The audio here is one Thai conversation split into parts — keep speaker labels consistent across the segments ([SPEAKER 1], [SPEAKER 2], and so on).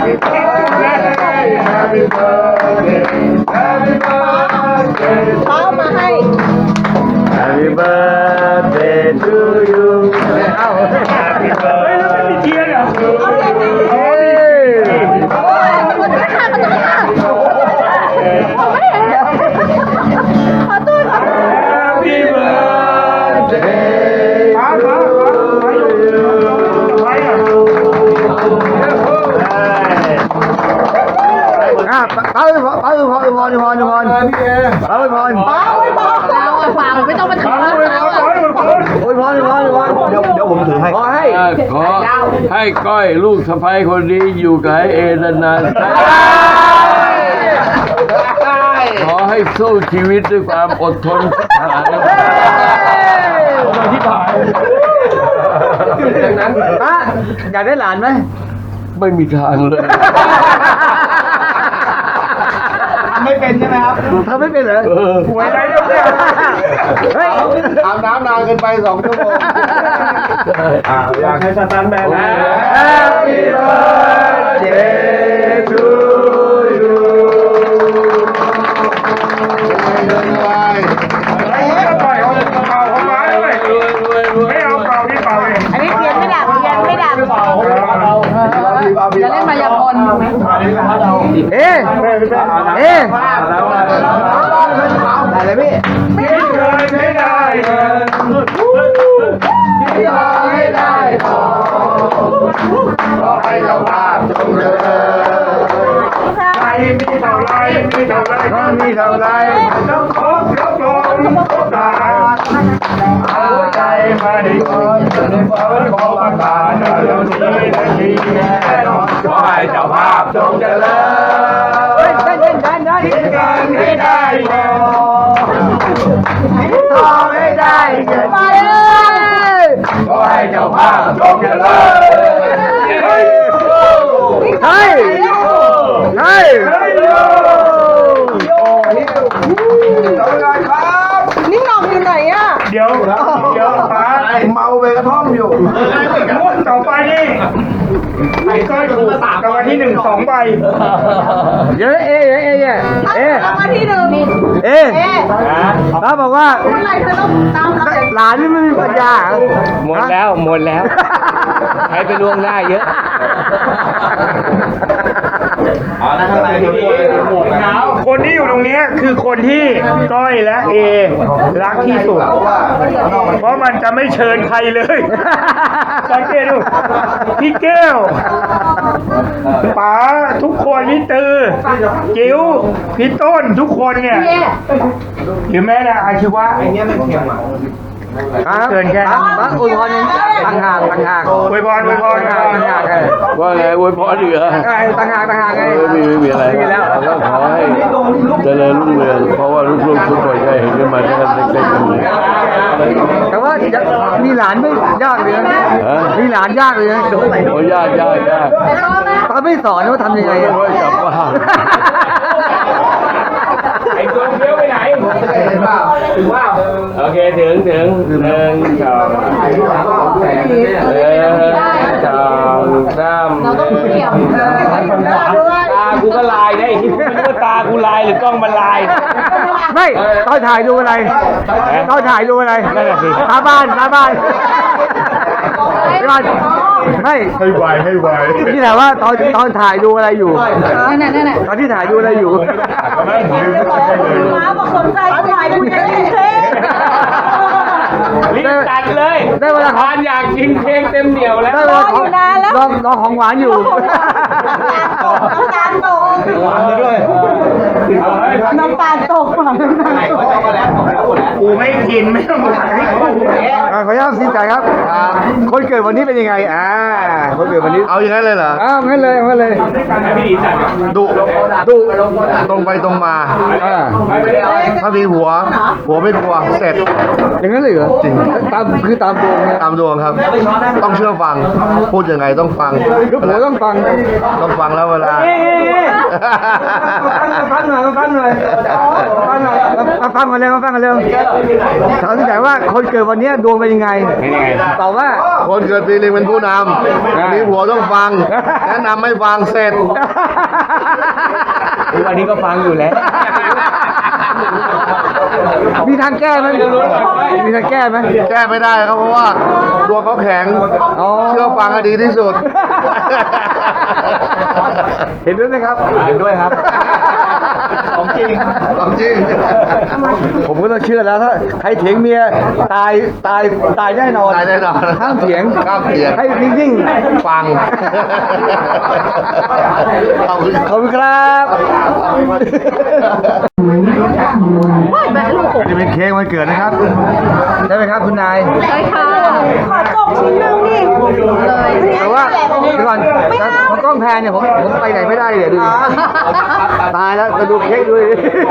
[SPEAKER 1] Happy birthday Happy birthday
[SPEAKER 2] เช้ามาให้
[SPEAKER 1] Happy birthday to you เอ้า Happy birthday
[SPEAKER 3] เทียนเหรอ
[SPEAKER 1] เฮ้ย
[SPEAKER 2] มันจะฆ่ามันจะฆ่าผมไม่เห็นขอโทษ
[SPEAKER 1] Happy birthday
[SPEAKER 3] ป้าป้าไปอ่ะ
[SPEAKER 1] ป้าไปพรเราไปพร
[SPEAKER 2] เราอะฝากไม่ต้องมาถึงเราอะ
[SPEAKER 1] โอ้ยพรเดี๋ยวผมถือให้ขอให้
[SPEAKER 4] ขอให้ก้อยลูกสะใภ้คนนี้อยู่กับไอ้เอนานๆขอให้สู้ชีวิตด้วยความอดทนที่ผ่านที่ผ่าน
[SPEAKER 1] ป้าอยากได้หลานไหม
[SPEAKER 4] ไม่มีทางเลย
[SPEAKER 1] ไม่เป็นใช่ไหมครับทำไม่เป็นเหรอ
[SPEAKER 3] หวยอะไรเนี่ย
[SPEAKER 1] เฮ้ยอาบน้ำนานเกินไป2 ชั่วโมง
[SPEAKER 3] อยากให้สตันแมนนะ
[SPEAKER 1] Happy birthday to you
[SPEAKER 3] ปล่อยเขาเป่าเขามาด้วยไม่เอาเป่าที่เป่าเลย
[SPEAKER 2] อันนี้เทียนไม่ดับเทียนไม่ดับจะเล่นมายากล
[SPEAKER 1] เอ๊ะได้เลยพี่
[SPEAKER 3] คิดเลยไม่ได้เลย
[SPEAKER 1] ที่รอให้ได้ขอให้เจ้าภาพจงเจริญ
[SPEAKER 3] ใครมีเท่าไรมีเท่าไร
[SPEAKER 1] ก็มีเท่าไร
[SPEAKER 3] ต้องขอครบรองครบตา
[SPEAKER 1] หัวใจไม่ก่อนในฝันของอากาศเดี๋ยวนี้นาทีแน่นอนขอให้เจ้าภาพจงเจริญคิดกันให้ได้พอทองให้ได้เงินขอให้เจ้าภาพจงเจริญเฮ้ย
[SPEAKER 2] นี่น้องอยู่ไหนอะ
[SPEAKER 3] เดี๋ยวป้า
[SPEAKER 1] เมาไปกระท่อมอยู่
[SPEAKER 3] งวดต่อไปนี่ไอ้ก้อยถูกรางวัลที่1 2 ใบ
[SPEAKER 1] เยอะเอ๊ะ
[SPEAKER 2] รางวัลที่ 1
[SPEAKER 1] ป้าบอกว่า
[SPEAKER 2] อะไรเธอต้องตามเรา
[SPEAKER 1] หลานนี่ไม่มีปัญญา
[SPEAKER 4] หมดแล้วใครไปล่วงหน้าเยอะ
[SPEAKER 3] คนที่อยู่ตรงนี้คือคนที่ก้อยและเอรักที่สุด เพราะมันจะไม่เชิญใครเลยสังเกตดูพี่แก้วป๋าทุกคนพี่ตือจิ๋วพี่ต้นทุกคนเนี่ย หรือแม้แต่อาชีวะ
[SPEAKER 1] เกินแค่ป้าอวยพรต่างหาก
[SPEAKER 3] อวยพร
[SPEAKER 4] ว่าไงอวยพรอีกเหรอ
[SPEAKER 1] ต่างหากไง
[SPEAKER 4] ไม่มีอะไรเราก็ขอให้เจริญรุ่งเรืองเพราะว่าลูกๆทุกคนก็เห็นกันมาตั้งแต่เด็กๆกันเลย
[SPEAKER 1] แต่ว่ามีหลานไม่ยากเลยนะมีหลานยากเลยนะ
[SPEAKER 4] โอ้ยาก
[SPEAKER 1] ป้าไม่สอนว่าทำยังไง
[SPEAKER 4] โอ้ยกลับบ้าน
[SPEAKER 3] ไอ้ตัวเดียวไปไหนถึงว่าโอเคถึง1 2
[SPEAKER 2] เราต้องเกี่ยว
[SPEAKER 3] ตากูก็ลายได้ที่ไม่รู้ว่าตากูลายหรือกล้องมันลาย
[SPEAKER 1] ไม่ตอนถ่ายดูอะไรหาบ้านไม่ให้ไวนี่แหละว่าตอนถ่ายดูอะไรอยู่
[SPEAKER 2] นั่นแหละ
[SPEAKER 1] ตอนที่ถ่ายดูอะไรอยู่
[SPEAKER 2] ม้าบอกสนใจถ่ายคุณจะได้เค้ก
[SPEAKER 3] รีบตัดเลย
[SPEAKER 1] ได้เวลา
[SPEAKER 3] ทานอยากกินเค้กเต็มเหนียวแล้ว
[SPEAKER 1] ได้เวลาลองของหวานอยู่
[SPEAKER 2] น้ำตาลตกน้ำตาลตก
[SPEAKER 3] กูไม่กินไม่ต้องถ่ายให้กู
[SPEAKER 1] ขออนุญาตสินใจครับ คนเกิดวันนี้เป็นยังไงคนเกิดวันนี้เอาอย่างนั้นเลยเหรองั้นเลยดุตรงไปตรงมาถ้ามีหัวไม่กลัวเสร็จอย่างนั้นเลยเหรอจริงตามดวงตามดวงครับ ต้องเชื่อฟังพูดยังไงต้องฟังลูกหัวต้องฟังแล้วเวลาฟังหน่อยมาฟังกันเร็วถามแต่ว่าคนเกิดวันนี้ดวงเป็นยังไงตอบว่าคนเกิดปีลิงเป็นผู้นำมีหัวต้องฟังแนะนำไม่ฟังเสร็จ
[SPEAKER 3] วันนี้ก็ฟังอยู่แล้ว
[SPEAKER 1] มีทางแก้ไหมมีทางแก้ไหมแก้ไม่ได้ครับเพราะว่าดวงเขาแข็งเชื่อฟังให้ดีที่สุด เห็นด้วยไหมครับเห็นด้วยครับของจริงผมก็ต้องเชื่อแล้วถ้าใครเถียงเมียตายแน่นอนห้ามเถียงให้นิ่งๆฟังขอบคุณครับนี่เป็นเค้กวันเกิดนะครับได้ไหมครับคุณนาย
[SPEAKER 2] ใช่ค่ะขอจบชิ้นหนึ่งดิเลย
[SPEAKER 1] แต่ว่าเดี๋ยวก่อนพอกล้องแพนเนี่ยผมไปไหนไม่ได้เลยดูตายแล้วมาดูเค้กด้วย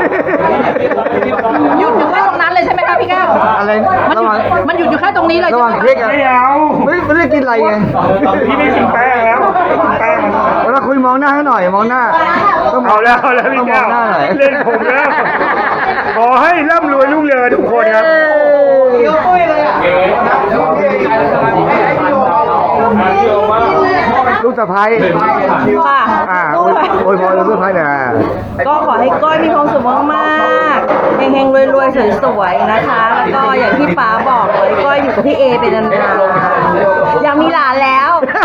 [SPEAKER 2] หยุดอยู่แค่ตรงนั้นเลยใช่ไหมคะพี่แก้ว
[SPEAKER 1] อะไร
[SPEAKER 2] มันหยุดอยู่แค่ตรงนี้เลย
[SPEAKER 1] ระหว่างเค้กอะ
[SPEAKER 3] ไม่เอา
[SPEAKER 1] ไม่ได้กินอะไรไง
[SPEAKER 3] พี่ไม่กินแป้งแล้วไม่กินแป้ง
[SPEAKER 1] เวลาคุยมองหน้าให้หน่อยมองหน้าต้อง
[SPEAKER 3] เอาแล้วพี่
[SPEAKER 1] ม
[SPEAKER 3] แก้
[SPEAKER 1] อง
[SPEAKER 3] ว
[SPEAKER 1] หน้าหน่อย
[SPEAKER 3] เล่นผมแล้วขอให้ร่ำรวยรุ่งเรืองทุกคนครับ
[SPEAKER 1] ลูกสะพ้าย
[SPEAKER 2] ค่ะ
[SPEAKER 1] โอ้ยพอลูกสะพ้ายเนี่ย
[SPEAKER 2] ก็ขอให้ก้อยมีความสุขมากๆเฮงๆรวยๆสวยๆนะคะ แล้วก็อย่างที่ป๋าบอกเลยก้อยอยู่กับพี่เอเป็นนานๆอยากมีหลานแล้ว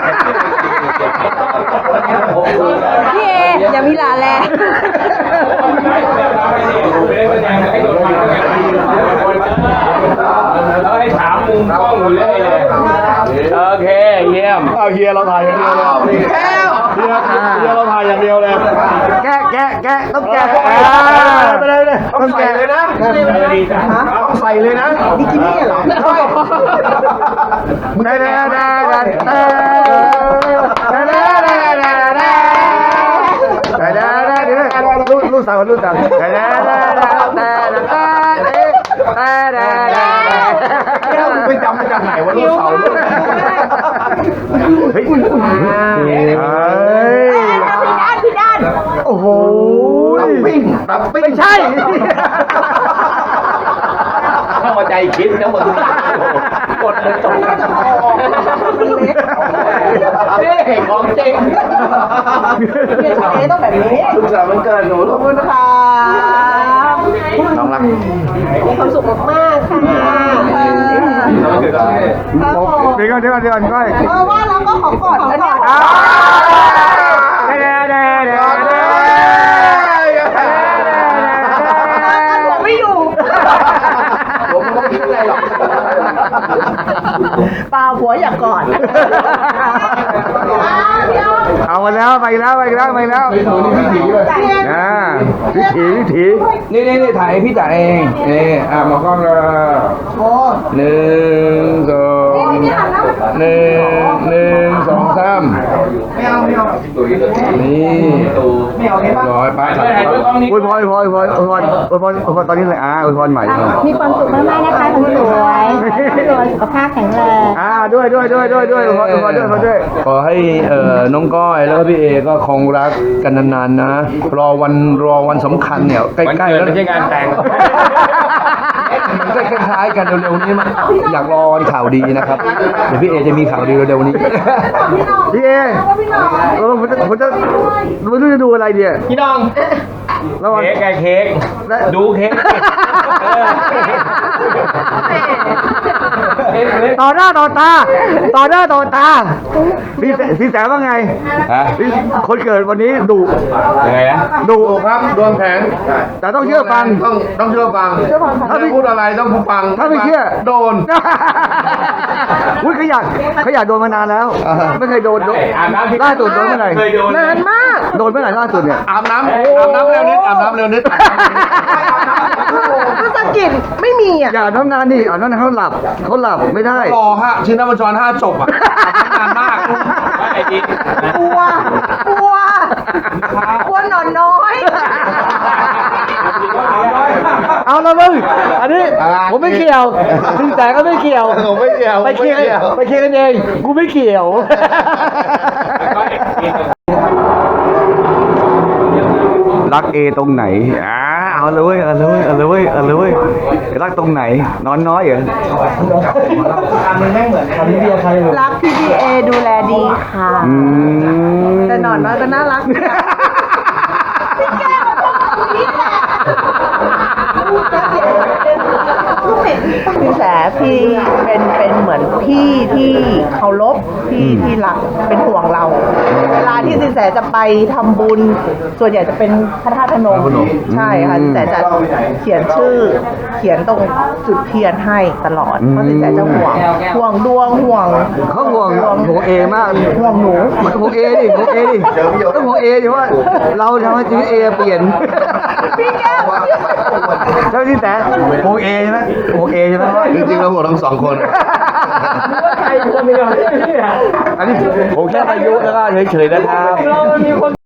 [SPEAKER 2] พี่เออยากมีหลานแล้ว
[SPEAKER 3] ให้ถามมุมกล้องเลยโอเคเยี่ยม
[SPEAKER 1] เอาเฮียเราถ่ายอย่างเดียวเลยเฮียเราถ่ายอย่างเดียวเลยแกะต้องแกะไปเลยต้องแกะเลยนะต้องใส่เลยนะบิกินี่เหรอลูกสาวไปจำมาจากไหนวะลูกสาวเฮ้ยพี่ด้านโอ้โหตับปิ้งไม่ใช่
[SPEAKER 3] เข้ามาใจคิดทั้งหมดกดเลยจบนี่ของจริง
[SPEAKER 2] ต้องแบบนี้
[SPEAKER 1] ลูกสาวมันเกิดหนู
[SPEAKER 2] ขอบคุณค่ะ
[SPEAKER 1] น้องรัก
[SPEAKER 2] มีความสุขมากๆค่ะ
[SPEAKER 1] เดี๋ยวก่อนก้อย
[SPEAKER 2] เพราะว่าเราก็ขอกอดแล้วเนี่ยผมไม่อยู่
[SPEAKER 1] ผมไม่คิดอะไรหรอก
[SPEAKER 2] เปล่าผัวอยากกอด
[SPEAKER 1] เอามาแล้วไปแล้ววิถี
[SPEAKER 3] นี่ถ่ายพี่จ่าเองมากล้องเลย1 2 1 2 3นี่ร้อยไป
[SPEAKER 1] อวยพรตอนนี้เลยอวยพรใหม่
[SPEAKER 2] มีความสุขมากๆนะคะคุณสวยสุขภาพแข็งแรง
[SPEAKER 1] ด้วยอวยพรด้วย
[SPEAKER 4] ขอให้น้องก้อยแล้วก็พี่เอก็คงรักกันนานๆนะรอวันสำคัญเนี่ยใกล้ๆแล้ว
[SPEAKER 3] ไม่ใช่งานแต่ง
[SPEAKER 4] มันก็คล้ายๆกันเร็วๆนี้มันอยากรอวันข่าวดีนะครับเดี๋ยวพี่เอจะมีข่าวดีเร็วๆนี้
[SPEAKER 1] พี่เอผมจะไม่รู้จะดูอะไรดี
[SPEAKER 3] พี่น้องเค้กดูเค้ก
[SPEAKER 1] ต่อหน้าต่อตาพี่แสว่าไงคนเกิดวันนี้ดุ
[SPEAKER 3] ยังไงนะ
[SPEAKER 1] ดุครับดวงแข็งแต่ต้องเชื่อฟังต้องเชื่อฟังถ้าไม่พูดอะไรต้องฟังถ้าไม่เชื่อโดนอุ้ยขยันโดนมานานแล้วไม่เคยโดนล่าสุดโดนเมื่อไหร่นานมากโดนเมื่อไหร่ล่าสุดเนี่ยอาบน้ำเร็วนิด
[SPEAKER 2] ภาษาอังกฤษไม่มีอ่ะ
[SPEAKER 1] อย่าน้ำนานดิน้ำนานเขาหลับไม่ได้
[SPEAKER 3] รอฮะชิ้นน้ำมันจร5จบอ่ะนานมาก
[SPEAKER 2] กลัวนอนน้อย
[SPEAKER 1] เอาละมึงอันนี้ผมไม่เกี่ยวสินแสก็ไม่เกี่ยวไปเคลียร์กันเองกูไม่เกี่ยวรักเอตรงไหนเอาเลยเว้ยเอาเลยเว้ยเอาเลยเว้ยเอาเลยเว้ยรักตรงไหนนอนน้อยเหรอ
[SPEAKER 2] รักพี่เอดูแลดีค่ะ แต่หนอนน้อยก็น่ารักสินแสพี่เป็นเหมือนพี่ที่เคารพที่รักเป็นห่วงเรา เวลาที่สินแสจะไปทำบุญ ส่วนใหญ่จะเป็นพระธาตุพนมใช่ค่ะสินแสจะเขียนชื่อเขียนตรงจุดเทียนให้ตลอดเพราะสินแสจะห่วงดวงห่วง
[SPEAKER 1] เขาห่วงเอมาก
[SPEAKER 2] ห่วงหนู
[SPEAKER 1] ห่วงเอดิห่วงเอดิต้องห่วงเอดิว่าเราทำให้ชีวิตเอเปลี่ยน
[SPEAKER 2] พี่แก้ว
[SPEAKER 1] เจ้าที่แต่ห่วงเอใช่ไหมห่วงเอใช่ไหม
[SPEAKER 4] จริงๆเราห่วงทั้งสองคน
[SPEAKER 1] อันนี้ผมแค่อายุแล้วก็เฉยๆนะครับ